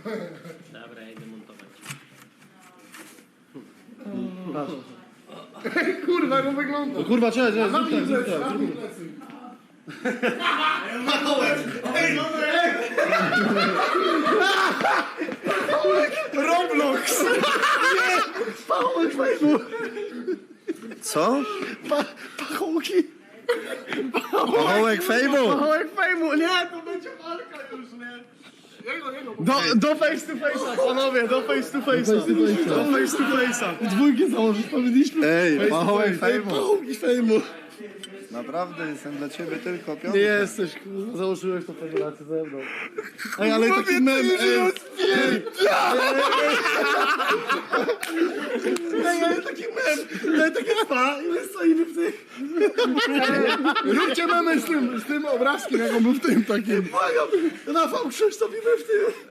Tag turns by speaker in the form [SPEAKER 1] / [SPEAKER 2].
[SPEAKER 1] Dobra, ja idę montować.
[SPEAKER 2] Kurwa, jak on wygląda.
[SPEAKER 3] No kurwa, czekaj, zrób tak, zrób tak.
[SPEAKER 2] Na mnie plecy.
[SPEAKER 3] Roblox! Pachołek fejmu!
[SPEAKER 4] Co?
[SPEAKER 3] Pachołki!
[SPEAKER 4] Pachołek fejmu!
[SPEAKER 3] Pachołek fejmu! Nie, to będzie walka już, nie? Do face to face'a, panowie, do face to face'a. Do face to face'a. Dwójkę założyć powinniśmy.
[SPEAKER 4] Ej, pachołek fejmu!
[SPEAKER 3] Pachołki fejmu.
[SPEAKER 4] Naprawdę jestem dla ciebie tylko
[SPEAKER 3] Nie
[SPEAKER 4] piątka.
[SPEAKER 3] jesteś, kurwa, założyłeś to federację ze mną. Ej, ale taki mem, Ej, ale taki mem, ale takie fa i my stoimy w tych.
[SPEAKER 2] Róbcie memy z tym obrazkiem, jak on był w tym takim.
[SPEAKER 3] Błagam, Rafał Krzysztof i my w tym.